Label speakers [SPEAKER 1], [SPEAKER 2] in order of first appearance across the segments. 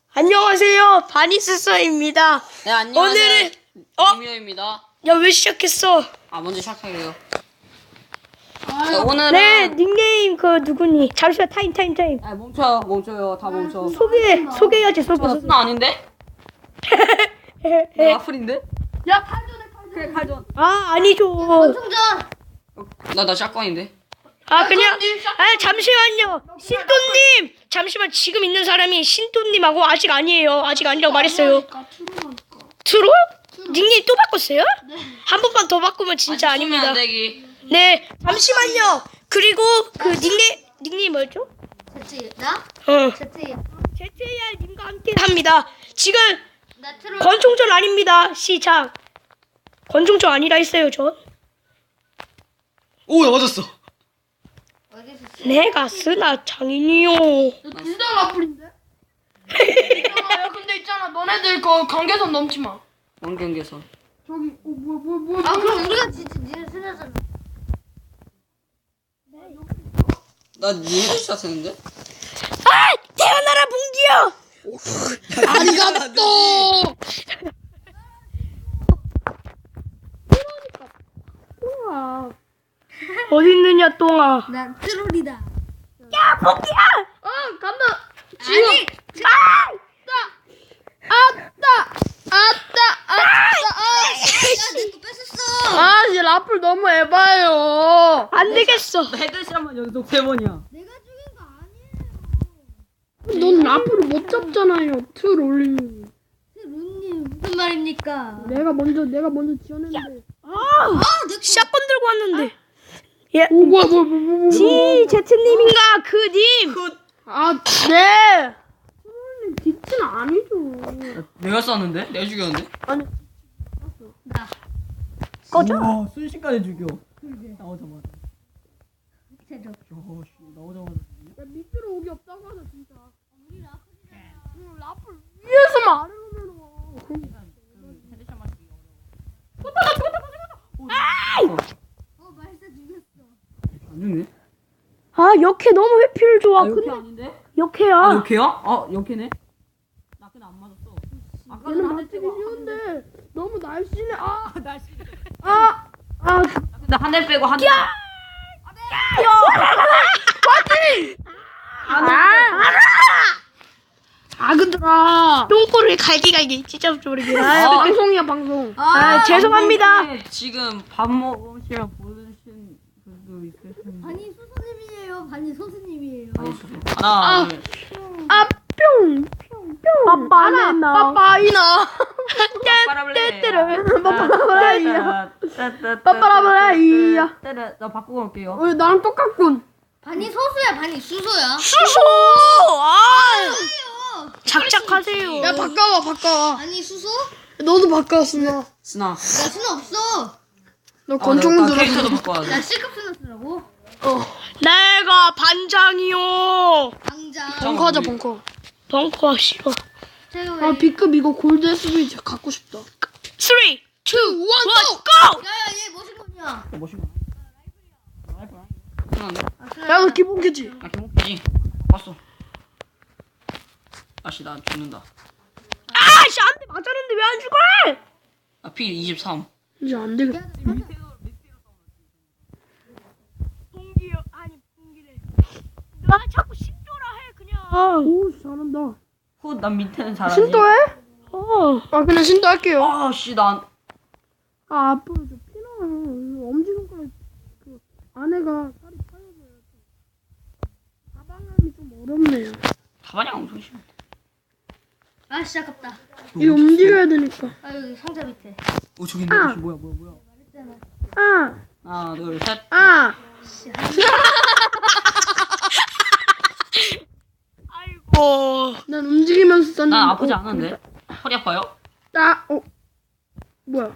[SPEAKER 1] 안녕하세요, 바니스서입니다.
[SPEAKER 2] 네, 안녕하세요.
[SPEAKER 1] 오늘은
[SPEAKER 2] 김효입니다.
[SPEAKER 1] 야, 왜 시작했어?
[SPEAKER 2] 먼저 시작할게요. 네, 오늘은
[SPEAKER 1] 네, 닉네임 그 누구니? 잠시만, 타임.
[SPEAKER 2] 멈춰요. 다 멈춰.
[SPEAKER 1] 소개해야지, 소개.
[SPEAKER 2] 스나 아닌데? 와플인데?
[SPEAKER 3] 야, 칼전에
[SPEAKER 2] 그래, 칼전.
[SPEAKER 1] 아, 아니죠.
[SPEAKER 3] 총전.
[SPEAKER 2] 나 샷건인데?
[SPEAKER 1] 잠시만요. 신도님, 잠시만. 지금 있는 사람이 신도님하고 아직 아니에요. 아직 아니라고 말했어요. 트롤? 닉네임 또 바꿨어요?
[SPEAKER 3] 네.
[SPEAKER 1] 한 번만 더 바꾸면 진짜 아닙니다.
[SPEAKER 2] 안 되기.
[SPEAKER 1] 네, 잠시만요. 그리고 그 닉네임 뭐였죠?
[SPEAKER 3] 제트 나? 제트
[SPEAKER 1] ZAR님과 함께 합니다. 지금
[SPEAKER 3] 나 트롤.
[SPEAKER 1] 권총전 아닙니다. 시작. 권총전 아니라 했어요, 전.
[SPEAKER 2] 오, 나 맞았어.
[SPEAKER 3] 어디 있었어?
[SPEAKER 1] 내가 쓰나 장인이요.
[SPEAKER 3] 둘다 라플인데? 있잖아, 야, 근데 있잖아, 너네들 그 관계선 넘지 마.
[SPEAKER 2] 원경계선.
[SPEAKER 3] 저기, 뭐야? 아, 그럼 우리가 진짜 니네 쓰나잖아.
[SPEAKER 2] 나 니네 샷 했는데?
[SPEAKER 1] 아! 태어나라 bungi요!
[SPEAKER 3] 아리가또!
[SPEAKER 1] 어딨느냐, 똥아.
[SPEAKER 3] 난 트롤이다.
[SPEAKER 1] 야, bungi야!
[SPEAKER 3] 간다.
[SPEAKER 1] 아니!
[SPEAKER 3] 야, 내거 뺏었어.
[SPEAKER 4] 아, 이 라플 너무 에바예요.
[SPEAKER 1] 안 되겠어.
[SPEAKER 2] 헤드샷만 연속 3번이야.
[SPEAKER 3] 내가 죽인 거 아니에요.
[SPEAKER 4] 넌 라플을 못 잡잖아요. 틀 올리면.
[SPEAKER 3] 룬님 무슨 말입니까?
[SPEAKER 4] 내가 먼저 지어냈는데.
[SPEAKER 3] 내
[SPEAKER 1] 샷건 들고 왔는데. 예.
[SPEAKER 4] 오, 뭐야.
[SPEAKER 1] 제트님인가, 그 님.
[SPEAKER 4] 아, 네. 틀님 뒤치는 아니죠.
[SPEAKER 2] 내가 쐈는데? 내가 죽였는데?
[SPEAKER 3] 나.
[SPEAKER 1] 꺼져.
[SPEAKER 2] 와, 순식간에 죽여. 나오자마자.
[SPEAKER 3] 제조.
[SPEAKER 2] 나오자마자.
[SPEAKER 4] 야, 밑으로 오기 없다고 하자, 진짜.
[SPEAKER 3] 우리 라플이잖아.
[SPEAKER 4] 라플 위에서만 아래로 내려와.
[SPEAKER 2] 헤드샷만 죽여.
[SPEAKER 3] 말사 죽였어.
[SPEAKER 2] 안 죽네?
[SPEAKER 1] 아, 역해 너무 회피를 좋아.
[SPEAKER 2] 역해
[SPEAKER 1] 근데
[SPEAKER 2] 아닌데?
[SPEAKER 1] 역해야.
[SPEAKER 2] 역해야? 역해네? 나 그냥 안 맞았어. 아까
[SPEAKER 4] 얘는 맞추기 쉬운데 너무 날씬해.
[SPEAKER 2] 날씨.
[SPEAKER 4] 아,
[SPEAKER 2] 나 한 대 빼고 한 대.
[SPEAKER 4] 작은들아.
[SPEAKER 1] 똥꼬를 갈기갈기 찢어버리게.
[SPEAKER 4] 방송이야, 방송.
[SPEAKER 1] 죄송합니다.
[SPEAKER 2] 지금 밥 먹으시면 보신 분도 있을 텐데.
[SPEAKER 3] 반이 소수님이에요. 반이 소수님이에요.
[SPEAKER 2] 하나, 둘.
[SPEAKER 4] 뿅.
[SPEAKER 1] 빠빠나.
[SPEAKER 4] 빠빠이나. 빠빠라바라이야.
[SPEAKER 2] 나 바꾸고 올게요.
[SPEAKER 4] 나랑 똑같군.
[SPEAKER 3] 반이 소수야, 반이 수소야.
[SPEAKER 1] 수소. 작작하세요.
[SPEAKER 4] 야, 바꿔와.
[SPEAKER 3] 반이 수소?
[SPEAKER 4] 너도 바꿔왔어.
[SPEAKER 2] 스나.
[SPEAKER 3] 나 수는 없어.
[SPEAKER 4] 너 권총은 들어.
[SPEAKER 2] 캐릭터도 바꿔야 돼.
[SPEAKER 3] 나 C급 수는 쓰라고.
[SPEAKER 1] 내가 반장이요.
[SPEAKER 3] 당장.
[SPEAKER 4] 벙커 하자, 벙커.
[SPEAKER 1] 벙커 싫어.
[SPEAKER 3] 제가 왜?
[SPEAKER 4] 아, B급 이거 골드 SB 갖고 싶다.
[SPEAKER 1] 3, 2, 1, go!
[SPEAKER 3] 야야 얘 무슨 거냐?
[SPEAKER 2] 멋있나? 라이프야. 스나인데?
[SPEAKER 4] 야, 너 기본캐지?
[SPEAKER 2] 나 개목이지. 봤어. 아씨, 나 죽는다.
[SPEAKER 1] 아씨, 안 돼. 맞았는데 왜 안 죽어?
[SPEAKER 2] 나 피 23.
[SPEAKER 4] 이제 안 되겠다.
[SPEAKER 1] bungi요. 아니, bungi래. 나 자꾸 신조라 해, 그냥.
[SPEAKER 4] 오, 잘한다.
[SPEAKER 2] 난 밑에는 잘하지.
[SPEAKER 4] 신도해?
[SPEAKER 1] 어.
[SPEAKER 4] 그냥 신도할게요.
[SPEAKER 2] 아씨, 난.
[SPEAKER 4] 앞으로 저 피나요. 엄지손가락 그 안에가 살이 파여져요. 가방함이 좀 어렵네요.
[SPEAKER 2] 가방이 엄청 심해.
[SPEAKER 3] 아 진짜 아깝다.
[SPEAKER 4] 이거 움직여야 되니까.
[SPEAKER 3] 아 여기 상자 밑에.
[SPEAKER 2] 저기 있네. 뭐야.
[SPEAKER 3] 말했잖아.
[SPEAKER 2] 하나, 둘, 셋.
[SPEAKER 1] 아이고.
[SPEAKER 4] 난 움직이면서 썼는데.
[SPEAKER 2] 난 아프지 않은데? 허리 아파요?
[SPEAKER 4] 뭐야?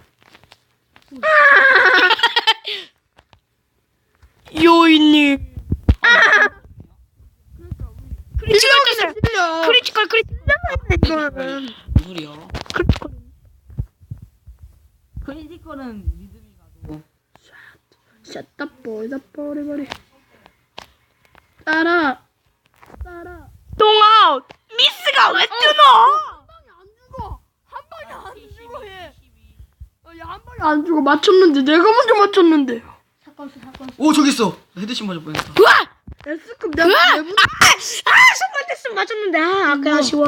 [SPEAKER 1] 요이님. 크리티컬 떴어요. 크리티컬.
[SPEAKER 4] 이거는.
[SPEAKER 2] 무슨 소리야?
[SPEAKER 1] 크리티컬.
[SPEAKER 2] 크리티컬은 리듬이 가도.
[SPEAKER 4] 샷다 버리버리. 따라.
[SPEAKER 1] 똥아웃. 미스가 아, 왜 뜨노?
[SPEAKER 3] 한 방에 안 죽어 얘.
[SPEAKER 4] 한 방에 안 죽어. 맞췄는데 내가 먼저 맞췄는데.
[SPEAKER 2] 오 저기 있어. 나 헤드샷 맞을 뻔했다.
[SPEAKER 1] 우와!
[SPEAKER 4] S급 내가 내부
[SPEAKER 1] 손만 뗐으면 맞췄는데. 아까 아쉬워.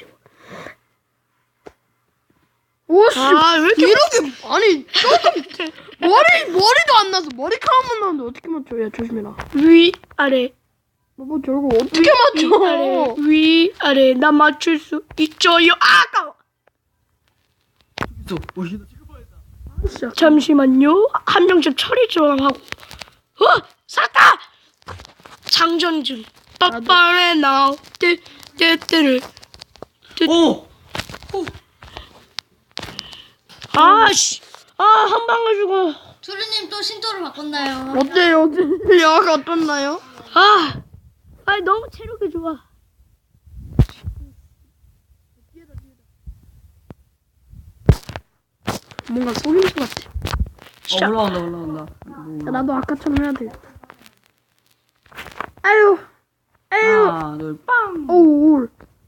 [SPEAKER 4] 오씨.
[SPEAKER 1] 왜 이렇게
[SPEAKER 4] 이렇게 아니 조금 머리도 안 나서 머리카락만 나는데 어떻게 맞춰? 야 조심해라.
[SPEAKER 1] 위, 아래.
[SPEAKER 4] 뭐 저거 어떻게
[SPEAKER 1] 아래,
[SPEAKER 4] 맞춰?
[SPEAKER 1] 위, 아래. 나 맞출 수 있죠요. 아, 아까워.
[SPEAKER 2] 있어. 오 이거 지금 뻔했다.
[SPEAKER 4] 진짜.
[SPEAKER 1] 잠시만요. 한 명씩 처리 좀 하고. 샀다! 장전 중. 빠빠레 나우. 떼떼를.
[SPEAKER 2] 오.
[SPEAKER 1] 아씨. 한 방을 주고.
[SPEAKER 3] 조르님 또 신도를 바꿨나요?
[SPEAKER 4] 어때요? 야가 어떻나요?
[SPEAKER 1] 너무 체력이 좋아.
[SPEAKER 4] 뭔가 속임수 같아.
[SPEAKER 2] 올라온다.
[SPEAKER 4] 야, 나도 아까처럼 해야 돼. 아유.
[SPEAKER 2] 하나 둘 빵.
[SPEAKER 4] 오.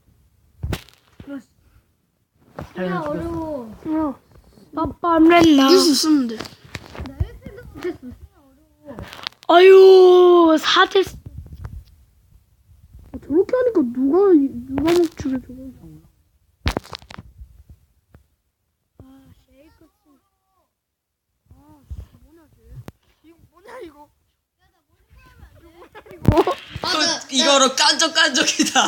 [SPEAKER 3] 야 어려워.
[SPEAKER 4] 야,
[SPEAKER 1] 빠빠레 나우.
[SPEAKER 4] 이길 수 있었는데.
[SPEAKER 1] 아유, 4대.
[SPEAKER 4] 저렇게 하니까 누가 먹추게 저거.
[SPEAKER 2] 이거로 깐족이다.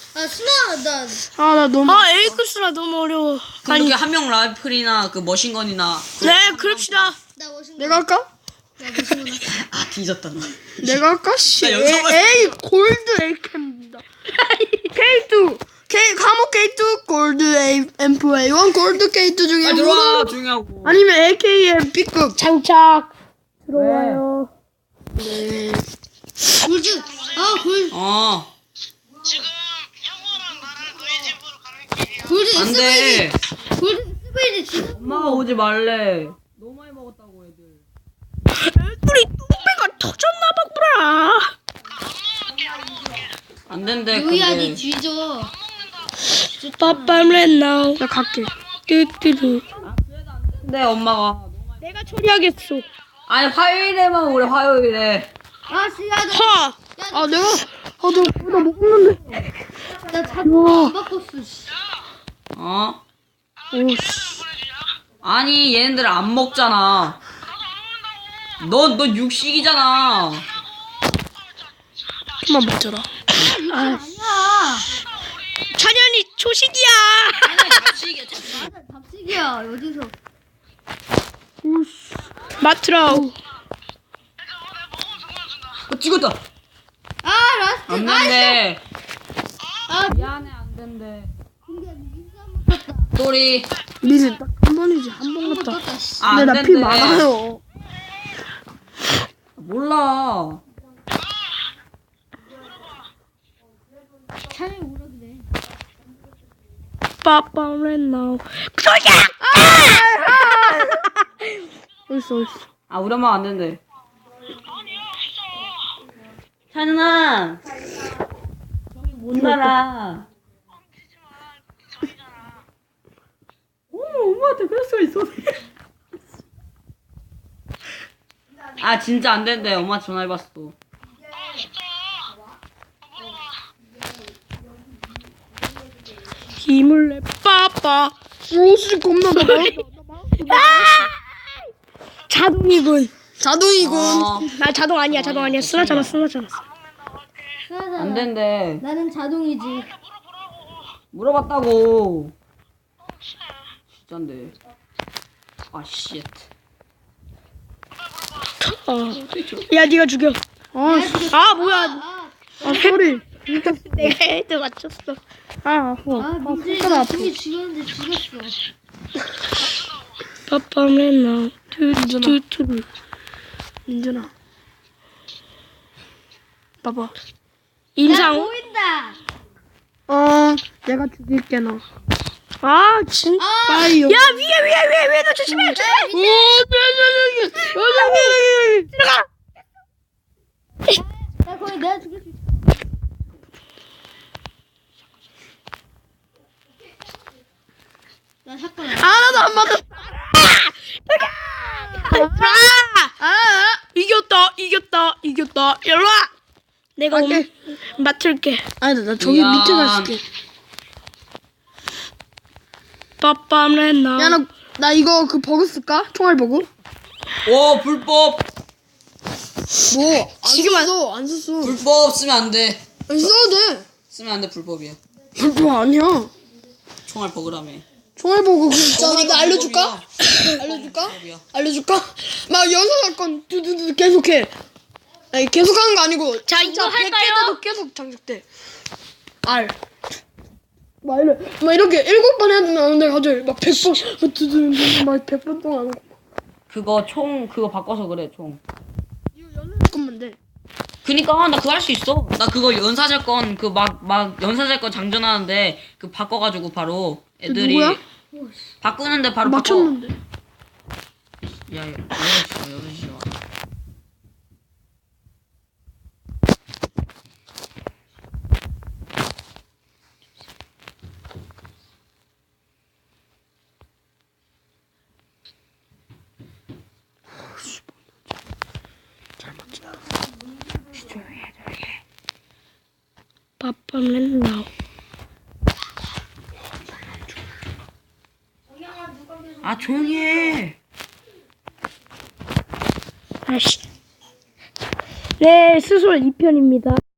[SPEAKER 4] 나 너무.
[SPEAKER 1] 에이크스라 너무 어려워.
[SPEAKER 2] 그렇게 한 명 라이플이나 그 머신건이나.
[SPEAKER 1] 네, 그럽시다.
[SPEAKER 4] 내가 할까?
[SPEAKER 2] 아 뒤졌다 너.
[SPEAKER 4] 내가 할까? 씨.
[SPEAKER 2] 나 여기서 봤어.
[SPEAKER 4] 에이 골드 에이캠입니다. K2 감옥 K2 골드 앰프 A1 골드 K2 중에
[SPEAKER 2] 아 들어와 조용히 하고.
[SPEAKER 4] 아니면 AKM B급.
[SPEAKER 1] 장착. 들어와요.
[SPEAKER 4] 네.
[SPEAKER 3] 골드. 골드.
[SPEAKER 5] 지금 형우랑 나랑 너희 집으로 가는 길이야.
[SPEAKER 3] 골드
[SPEAKER 2] 안돼.
[SPEAKER 3] 골드 스베이드 지금.
[SPEAKER 2] 엄마가 오지 말래. 너무 많이 먹었다고 애들.
[SPEAKER 1] 애들이 똥배가 터졌나봐, 구라.
[SPEAKER 2] 안 된대.
[SPEAKER 3] 요이야
[SPEAKER 2] 근데.
[SPEAKER 3] 니 뒤져.
[SPEAKER 1] 빠빠레 나우.
[SPEAKER 4] 나 갈게.
[SPEAKER 1] 뚜뚜루.
[SPEAKER 2] 근데 엄마가.
[SPEAKER 1] 내가 처리하겠어.
[SPEAKER 2] 아니 화요일에만 오래 화요일에.
[SPEAKER 3] 씨야
[SPEAKER 1] 하.
[SPEAKER 4] 내가 나 먹는데.
[SPEAKER 3] 나 자동 안 바꿨어. 씨.
[SPEAKER 4] 오씨.
[SPEAKER 2] 아니 얘네들 안 먹잖아. 너 육식이잖아.
[SPEAKER 4] 그만 먹자라.
[SPEAKER 3] 아니야.
[SPEAKER 1] 찬현이 초식이야.
[SPEAKER 3] 밥식이야 어디서?
[SPEAKER 4] 오씨.
[SPEAKER 1] 마트라우.
[SPEAKER 2] 찍었다.
[SPEAKER 3] 라스트.
[SPEAKER 2] 안 된대.
[SPEAKER 3] 미안해
[SPEAKER 2] 안 된대.
[SPEAKER 3] 근데 민수 한번 떴다.
[SPEAKER 2] 또리.
[SPEAKER 4] 미리 딱 한 번이지 한 번
[SPEAKER 3] 한번
[SPEAKER 4] 갔다.
[SPEAKER 3] 떴다. 씨.
[SPEAKER 2] 안
[SPEAKER 4] 근데 나 피
[SPEAKER 2] 된대.
[SPEAKER 4] 많아요.
[SPEAKER 2] 몰라.
[SPEAKER 3] 차라리 오라 그래.
[SPEAKER 1] 빠빠레 나우. 소야.
[SPEAKER 4] 어딨어.
[SPEAKER 2] 아 우리 엄마 안 된대. 찬은아. 저기 못 날아. 엄마한테 그럴 수가 있어. 아 진짜 안 된대. 엄마 전화해봤어.
[SPEAKER 1] 힘을 내 빠빠.
[SPEAKER 4] 오씨 겁나 나
[SPEAKER 1] 자동이군.
[SPEAKER 4] 자동이군.
[SPEAKER 1] 나 자동 아니야. 쓰나잖아.
[SPEAKER 2] 안 된대.
[SPEAKER 3] 나는 자동이지.
[SPEAKER 2] 물어봤다고. 진짠데. 아 쉣.
[SPEAKER 1] 야, 네가 죽여. 뭐야.
[SPEAKER 4] 소리.
[SPEAKER 1] 내가 헤드 맞췄어.
[SPEAKER 3] 민준이가 죽이 죽였는데 죽였어.
[SPEAKER 1] 빠빠레 나우. 뚜뚜뚜루.
[SPEAKER 4] 민준아. 봐봐.
[SPEAKER 1] 인상.
[SPEAKER 3] 보인다.
[SPEAKER 4] 내가 죽일게 너.
[SPEAKER 1] 진짜.
[SPEAKER 4] 빠이요.
[SPEAKER 1] 야, 위에 너 조심해. 들어가.
[SPEAKER 3] 야 거기 내가 죽일 수 있어. 나 샷건.
[SPEAKER 4] 나도 안 맞았어.
[SPEAKER 1] 이겼다. 일로 와. 내가
[SPEAKER 4] 오케이.
[SPEAKER 1] 맡을게.
[SPEAKER 4] 아니 나 저기
[SPEAKER 2] 이야.
[SPEAKER 4] 밑에 갔을게.
[SPEAKER 1] 빠빰레나.
[SPEAKER 4] 야 나 이거 그 버그 쓸까? 총알 버그?
[SPEAKER 2] 오 불법.
[SPEAKER 4] 뭐?
[SPEAKER 1] 지금
[SPEAKER 4] 안 썼어.
[SPEAKER 2] 불법 쓰면 안 돼.
[SPEAKER 4] 안 써도 돼.
[SPEAKER 2] 쓰면 안 돼 불법이야.
[SPEAKER 4] 뭐 아니야.
[SPEAKER 2] 총알 버그라며.
[SPEAKER 4] 총알 버그 그 있잖아.
[SPEAKER 2] 버그니까
[SPEAKER 4] 나 알려줄까?
[SPEAKER 2] 불법이야.
[SPEAKER 4] 알려줄까?
[SPEAKER 2] 불법이야.
[SPEAKER 4] 알려줄까? 막 연사 사건 두두두 계속해. 아니 계속하는 거 아니고.
[SPEAKER 1] 자,
[SPEAKER 4] 진짜
[SPEAKER 1] 이거
[SPEAKER 4] 100개
[SPEAKER 1] 할까요?
[SPEAKER 4] 돼도 계속 장착돼. 알. 막 이렇게 7번 해도 나오는데 갑자기 막 100번 두두두 막 100번 동안 하는 거.
[SPEAKER 2] 그거 총 그거 바꿔서 그래 총.
[SPEAKER 4] 잠깐만 돼.
[SPEAKER 2] 그니까 나 그거 할 수 있어. 나 그거 연사제건 그 막 연사제건 장전하는데 그 바꿔가지고 바로 애들이
[SPEAKER 4] 누구야?
[SPEAKER 2] 바꾸는데 바로
[SPEAKER 4] 맞췄는데.
[SPEAKER 2] 바꿔. 야 여러시와.
[SPEAKER 1] 빠빰레나.
[SPEAKER 2] 아 조용히 해.
[SPEAKER 1] 아씨. 네, 스솔 2편입니다.